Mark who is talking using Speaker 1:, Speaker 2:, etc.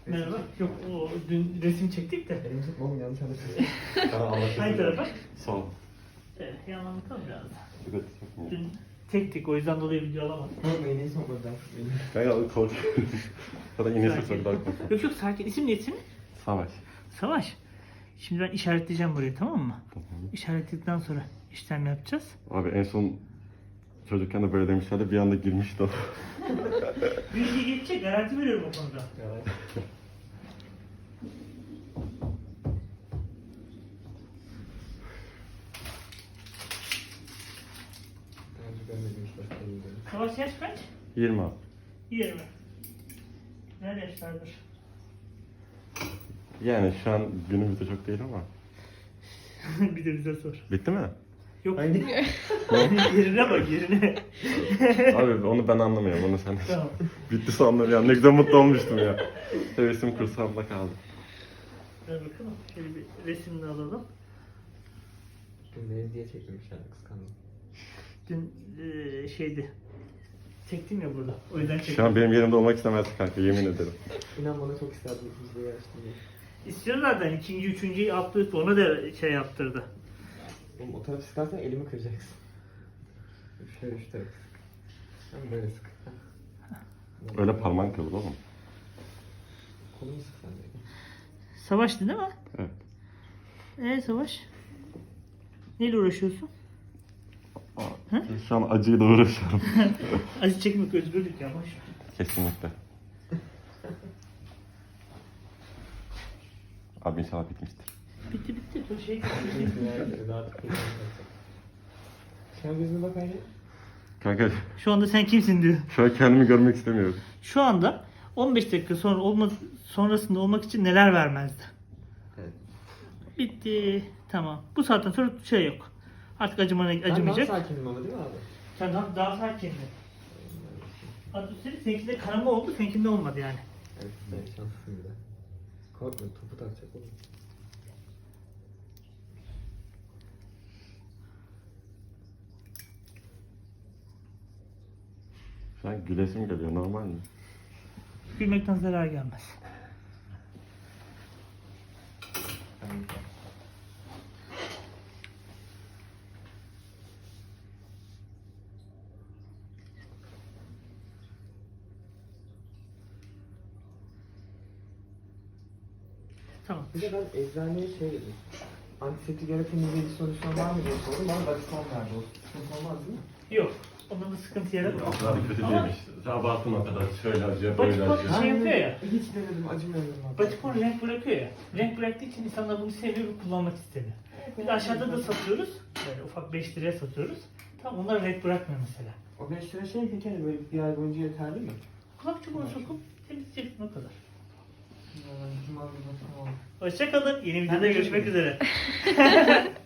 Speaker 1: Merhaba. Yok o dün resim çektik de.
Speaker 2: Elimi tutma oğlum, yanlış anlaşılsın.
Speaker 3: Bana anlatıyorsun.
Speaker 1: Hangi tarafa?
Speaker 3: Sağ ol.
Speaker 1: Evet, yanlamışalım biraz da.
Speaker 3: Dikkat et.
Speaker 1: Dün tektik o yüzden dolayı video alamadım.
Speaker 2: Korkma, iğneyi sokmadan.
Speaker 3: Kanka kork. Zaten iğnesi çok daha korkma.
Speaker 1: Yok yok sakin. İsim ne isim?
Speaker 3: Savaş.
Speaker 1: Savaş. Şimdi ben işaretleyeceğim burayı tamam mı? İşaretledikten sonra işlem yapacağız.
Speaker 3: Abi en son çocukken de böyle demişlerdi, bir anda girmişti o.
Speaker 1: Bilgi geçecek garanti veriyorum o konuda.
Speaker 2: Evet. Daha önce görmediğim iş başlarım böyle.
Speaker 1: Savaş yaş kaç?
Speaker 3: 20 abi.
Speaker 1: 20. Ne yaşlardır?
Speaker 3: Yani şu an günümüzde çok değil ama.
Speaker 1: Bir de bize sor.
Speaker 3: Bitti mi?
Speaker 1: Yok.
Speaker 2: Hangi?
Speaker 1: Yerine bak yerine.
Speaker 3: Abi onu ben anlamıyorum, onu sen.
Speaker 1: Tamam.
Speaker 3: Bitti sandım ya, ne güzel mutlu olmuştum ya. Hevesim kursağımda kaldı.
Speaker 1: Ver bakalım. Şöyle bir resimini alalım.
Speaker 2: Dün beni diye çekmemiş yani, kıskandım.
Speaker 1: Dün şeydi. Çektim ya burada. O yüzden çektim.
Speaker 3: Şu an benim yerimde olmak istemezdi kanka, yemin ederim.
Speaker 2: İnan bana çok isterdim ikimiz de yarıştım diye.
Speaker 1: İstiyor zaten. İkinci, üçüncüyü yaptı. Ona da şey yaptırdı.
Speaker 2: Oğlum o tarafı sıkarsan elimi kıracaksın. Şöyle şu tarafı sık. Hem böyle sık.
Speaker 3: Öyle parmağın kırılır oğlum.
Speaker 2: Kolumu sık sen de.
Speaker 1: Savaştı değil mi?
Speaker 3: Evet.
Speaker 1: Savaş? Neyle uğraşıyorsun? Hı?
Speaker 3: Şu an acıyla uğraşıyorum.
Speaker 1: Acı çekmek özgürlük ya. Boş.
Speaker 3: Kesinlikle. Abi inşallah bitmiştir.
Speaker 1: Bitti bitti. Dur şey.
Speaker 2: Şu an gözüne bak aynı.
Speaker 3: Kanka
Speaker 1: Şu anda sen kimsin diyor.
Speaker 3: şu an kendimi görmek istemiyorum.
Speaker 1: Şu anda 15 dakika sonra sonrasında olmak için neler vermezdi?
Speaker 2: Evet.
Speaker 1: Bitti. Tamam. Bu saatten sonra şey yok. Artık acımayacak.
Speaker 2: Ben daha sakinim ama değil mi abi?
Speaker 1: Sen daha sakindin. Hatta üstelik seninkinde kanama oldu, seninkinde olmadı yani.
Speaker 2: Evet, ben şanslıyım bir de. Korkma, topu takacak oğlum.
Speaker 3: Şu an gülesim geliyor, normal mi?
Speaker 1: Gülmekten zarar gelmez.
Speaker 2: Ben...
Speaker 1: Tamam.
Speaker 2: Bir de ben eczaneye şey dedim. Antiseptik yaratıcı bir solüsyon var mı diye sordum. Bana Dacifon verdi. O sıkıntı olmaz değil mi?
Speaker 1: Yok. Onda da sıkıntı yaratmaz.
Speaker 3: O kadar kötü
Speaker 1: Ama
Speaker 3: değilmiş. Abartın o kadar. Şöyle acıyor, böyle
Speaker 1: Batikon
Speaker 3: acıyor.
Speaker 1: şey yapıyor ya.
Speaker 2: Hiç denedim, acımıyorum abi.
Speaker 1: Batikon renk bırakıyor ya. Renk bıraktığı için insanlar bunu seviyor ve kullanmak istemiyor. Bir de aşağıda da satıyoruz. Böyle ufak 5 liraya satıyoruz. Tam onlar renk bırakmıyor mesela.
Speaker 2: O 5 lira şey peki hani böyle bir ay boyunca yeterli mi?
Speaker 1: Kulak çubuğunu sokup temizleyeceksin o kadar.
Speaker 2: Cuma günü tamam.
Speaker 1: Hoşça kalın. Yeni videoda görüşmek üzere.